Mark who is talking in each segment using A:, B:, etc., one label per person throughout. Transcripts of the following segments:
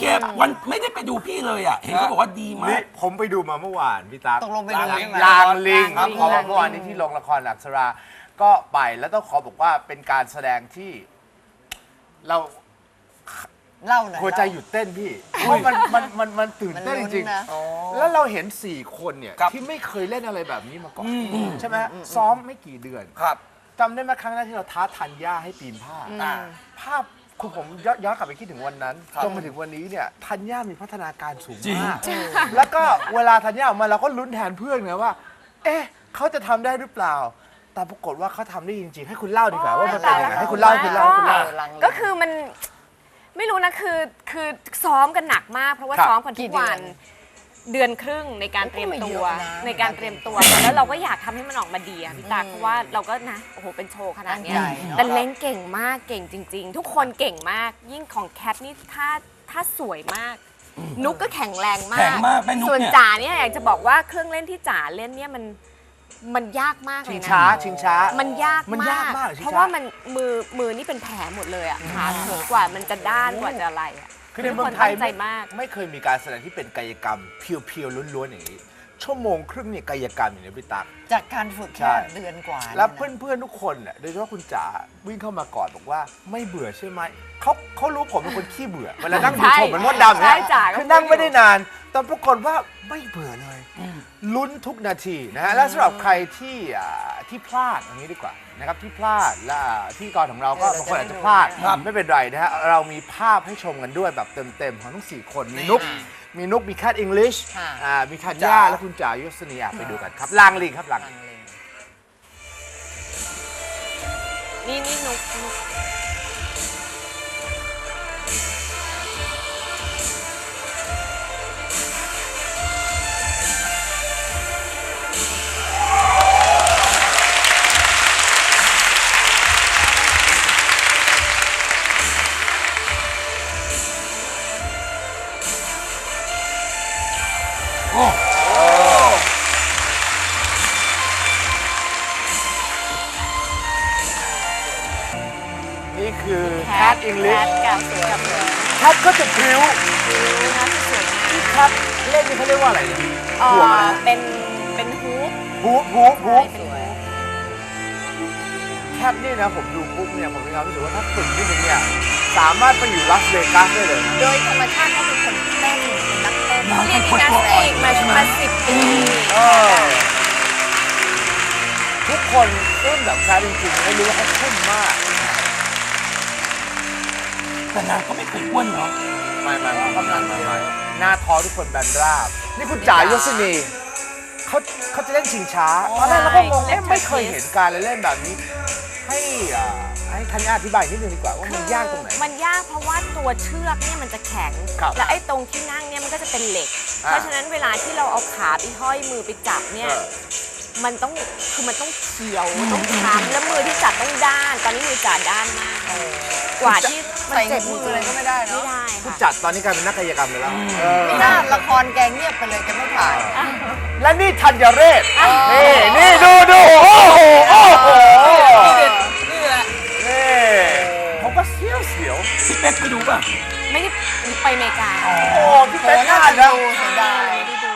A: เควันไม่ได้ไปดูพี่เลยอ่ะเห็นเขาบอกว่าดีมา
B: นี่
A: ก
B: ผมไปดูมาเมื่อวานพี่ตั๊ก
C: ตกลงไปดูใช่ไหม
B: ลางลิงครับ
C: ลางลิง
B: ขอบอกเมื่อวานนี้ที่โรงละครอักษรา ก็ไปแล้วต้องขอบอกว่าเป็นการแสดงที่เรา
C: เล่าหน่อย
B: หัวใจหยุดเต้นพี่เพราะมันตื่นเต้นจริง
C: มันลุ้นนะ
B: ๆแล้วเราเห็น 4 คนเนี่ย
A: ครับ
B: ที่ไม่เคยเล่นอะไรแบบนี้มาก่อนใช่ไหมซ้อมไม่กี่เดือน
A: ครับ
B: จำได้ไหมครั้งแรกที่เราท้าทันย่าให้ปีนผ้า ภาพคือผมย้อนกลับไปคิดถึงวันนั้นจนมาถึงวันนี้เนี่ยธัญญามีพัฒนาการสูง
A: จริง
B: มาก แล้วก็เวลาธัญญาออกมาเราก็ลุ้นแทนเพื่อนไงว่า เอ๊ะเขาจะทำได้หรือเปล่า แต่ปรากฏว่าเขาทำได้จริงๆ ให้คุณเล่าดีกว่าว่ามันเป็นยังไงให้คุณเล่าให้คุณเล่าให้คุณเล่า
D: ก็คือมันไม่รู้นะคือซ้อมกันหนักมาก เพราะว่า
B: ครับ
D: ซ้อมกันทุกวันเดือนครึ่งในการเตรียมตัวแล้วเราก็อยากทำให้มันออกมาดีอะพี่ตาเพราะว่าเราก็นะโอ้โหเป็นโชว์ขนาดเนี้ยแต่เล้งเก่งมากเก่งจริง ๆ ทุกคนเก่งมากยิ่งของแคทนี่ถ้าสวยมาก นุกก็แข็งแรงมา
A: แข็
D: ก
A: งมากแม่นุ๊ก
D: ส่วน
A: เนี่ย
D: จ๋าเนี่ยอยากจะบอกว่าเครื่องเล่นที่จ๋าเล่นเนี่ยมันยากมากเล
B: ชิ
D: ย
B: ง
D: นะ
B: ช้าชิงช้า
D: มันยาก
B: มันยากมากเหรอชิงช้า
D: เพราะว่ามันมือนี่เป็นแผลหมดเลยอ่ะขาเขินกว่ามันจะด้านกว่าจะอะไรอ่ะ
B: คือในเมืองไทย
D: ทุกคนตั้งใจมาก
B: ไม่เคยมีการแสดงที่เป็นกายกรรมเพียวๆล้วนๆอย่างนี้ ชั่วโมงครึ่งเนี่ยกายกรรมอย่างนี้พี่ตั๊ก
C: จากการฝึก
B: ใช่
C: แค่เดือนกว่า
B: แล้วเพื่อนๆทุกคนเนี่ยโดยเฉพาะคุณจ๋าวิ่งเข้ามาก่อนบอกว่าไม่เบื่อใช่ไหมเขารู้ผมเป็นคนขี้เบื่อเวลานั่งดูชมเหมือนมดดำ
D: ใช่
B: เนี่ย
D: จ๋าก็
B: คือนั่งไม่ได้นาน แต่ปรากฏว่าไม่เบื่อเลยลุ้นทุกนาทีนะฮะและสำหรับใครที่พลาดอย่างนี้ดีกว่านะครับที่พลาดและที่กองของเราก็บางคนอาจจะพลาดไม่เป็นไรนะฮะเรามีภาพให้ชมกันด้วยแบบเต็มๆของทั้ง4คนมีนุ๊กมีแคทอังกฤษมีธัญญาและคุณจ๋ายศนีไปดูกันครับลางลิงครับลางลิง
D: นี่นุก
A: โอ้
B: นี่คือแคทอังกฤ
D: แค
B: ษ
D: ทกับกับ
B: แคทก็จะพริ้ว
D: นะที่สวยงาม
B: ที่แคทเล่นนี่เขาเรียกว่าอะไรเนี่ย
D: เอ่
B: ห่วง
D: อ
B: อะไร
D: เป็นฮูป
B: ฮูป
D: ใช่เป็นฮูป
B: แคทนี่นะผมดูปุ๊บเนี่ยผมมีความรู้สึกว่าถ้าฝึกนิดนึงเนี่ยสามารถไปอยู่ลาสเวกัสได้เลยนะ
C: โดยธรรมชาติเขาเป็นคนเต้นเป็นนักเต้น
D: เรียนยิมนาสติกมา10 ปี
B: เออทุกคนอึ้งแบบแคทจริงๆไม่รู้ว่าเขาทุ่มมาก
A: แต่นางก็ไม่เคยอ้วนเนาะ
B: ไม่หน้าท้อทุกคนแบนราบ นี่คุณจ๋ายศนีเขาจะเล่นชิงช้าตอนแรกเราก็งงไม่เคยเห็นการเล่นแบบนี้ ให้ธัญญาอธิบายนิดนึงดีกว่าว่ามันยากตรงไหน
D: มันยากเพราะว่าตัวเชือกเนี่ยมันจะแข็ง
B: ครับ
D: และไอ้ตรงที่นั่งเนี่ยมันก็จะเป็นเหล็ก เพราะฉะนั้นเวลาที่เราเอาขาไปห้อยมือไปจับเนี่ย มันต้องเขียวต้องช้ำแล้วมือที่จับต้องด้าน ตอนนี้มือจับด้านมากกว่าที่มัน
C: ใส่
D: เจ็บ
C: มื
D: มื
C: อ
D: อ
C: อะไรก็ไม่ได้
D: ไม่
C: เนาะ
D: ได้
B: ผู้
D: ค่ะ
B: จัดตอนนี้กลายเป็นนักกายกรรมไปแล้ว
C: ไม่น่าละครแกเงียบไปเลยแกไม่ถ่าย
B: และนี่ธัญเรศนี่ดูโอ้โหนี่ผมก็เสียว
A: พี่เป๊กไปดูป่ะ
D: ไม่ได้ไปอเมริกา
B: โอ้พี่เป๊กน่าจะ
C: เสียดาย
D: ไม่ได้ดู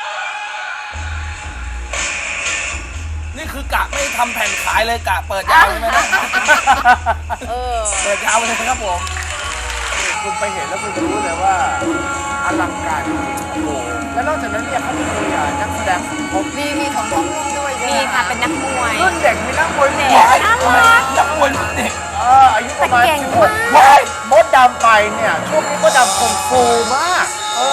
E: นี่คือกะไม่ทำแผ่นขายเลยกะเปิดยาวใช่ไหมนะเปิดยาวเลยครับผม
B: คุณไปเห็นแล้วคุณจะรู้เลยว่าอลังการจริงๆโอ้โหแล้วนอกจากนั้นเนี่ยเขามีนักแสดงสมทบ
C: มีของน้องนุ่มด้วยใช่ไห
D: มีค่ะเป็นนักมวย
B: รุ่นเด็กมีนักมวย
D: เด็ก
B: หลาย
D: น่า
B: คน
D: รัก
A: นักมวยเด็ก
B: อายุประมาณ
D: แต่เก่ง
B: 16
D: มาก
B: มดดำไปเนี่ยช่วงนี้มดดำคงฟูมาก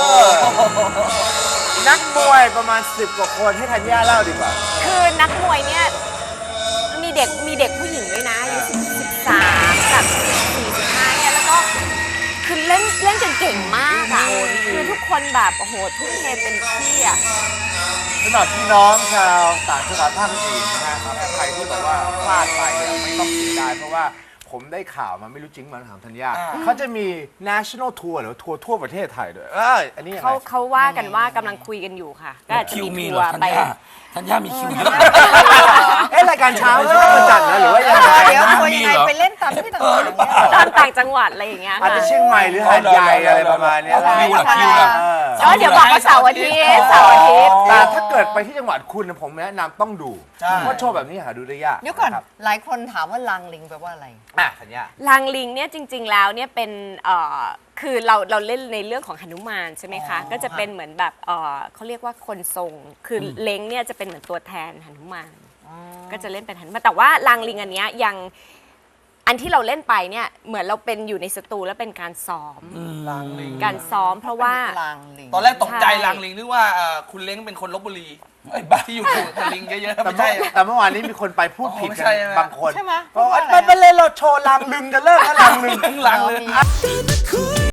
B: นักมวยประมาณ10 กว่าคนให้ธัญญาเล่าดีกว่า
D: คือนักมวยเนี่ยมีเด็กผู้หญิงด้วยนะอายุ13กับ45เนี่ยแล้วก็คือเล่นจนเก่งมากอ่ะคือทุกคนแบบโอ้โหทุ่มเทเต็มที่อ่ะ
B: สำหรับพี่น้องชาวต่างจังหวัดภาคอื่นนะฮะใครที่บอกว่าพลาดไปเนี่ยไม่ต้องเสียดายเพราะว่าผมได้ข่าวมาไม่รู้จริงมันถามธัญญาเขาจะมี national tour หรือทัวร์ทั่วประเทศไทยด้วยอันนี้ยังไง
D: เขาว่ากันว่ากำลังคุยกันอยู่ค่ะ ก็อาจจะ
A: คิว
D: มี
A: มี
D: ทั
A: เหร
D: ว
A: อ
D: ร์
A: ธัญ
D: ไป
A: ญาธัญญามีคิวเยอะ
B: รายการเช้าใช่ไหมมาจัดนะหรือว่ายังไง
C: เดี๋ยวทัวร์ยังไงไปเล่นตามที่ต่างๆเนี่ย
D: ตอนต่างจังหวัดอะไรอย่างเงี้ย
B: อาจ
D: ค่ะ
B: จะเชียงใหม่หรือหาดใหญ่อะไรประมาณเนี้ย
A: คิวล่ะคิวล่ะ
D: ก็เดี๋ยวบอกว่าเสาร์อาทิตย์เสาร์อาทิตย์
B: แต่ถ้าเกิดไปที่จังหวัดคุณนะผมแนะนำต้องดู
E: ใช่
B: เพราะโชว์แบบนี้หาดูได้ยาก
C: เดี๋ยวก่อน
B: ครับ
C: หลายคนถามว่าลางลิงแปลว่าอะไร
B: ธัญญา
D: ลางลิงเนี่ยจริง ๆ แล้วเนี่ยเป็นคือเราเล่นในเรื่องของหนุมานใช่ไหมคะ ก็จะเป็นเหมือนแบบเขาเรียกว่าคนทรง คือเล้งเนี่ยจะเป็นเหมือนตัวแทนหนุมานก็จะเล่นเป็นหนุมานแต่ว่าลางลิงอันเนี้ยยังอันที่เราเล่นไปเนี่ยเหมือนเราเป็นอยู่ในสตูแล้วเป็นการซ้อม
E: ลางลิง
D: การซ้อมเพราะว่า
C: ลางลิง
E: ตอนแรกตกใจ
D: ใช่
E: ลางลิงนึกว่าคุณเล้งเป็นคนลบบุรี
A: ไอ้บ้า
E: ที่อยู่กับลิงเยอะๆ
B: แต่
E: ไม่ใช่
B: แต่เมื่อวานนี้มีคนไปพูดผิด
E: ไม่
B: กั
E: ใช่
B: น
E: ใช่ไหม
B: บางคน
C: ใช่ไหม
B: เพราะว่า
C: พูดว่าอะไร
B: ไม่เล่นเราโชว์ลางลึงกันเลิกแล้วลางลึง
E: ลางเลย
C: อ๋อมี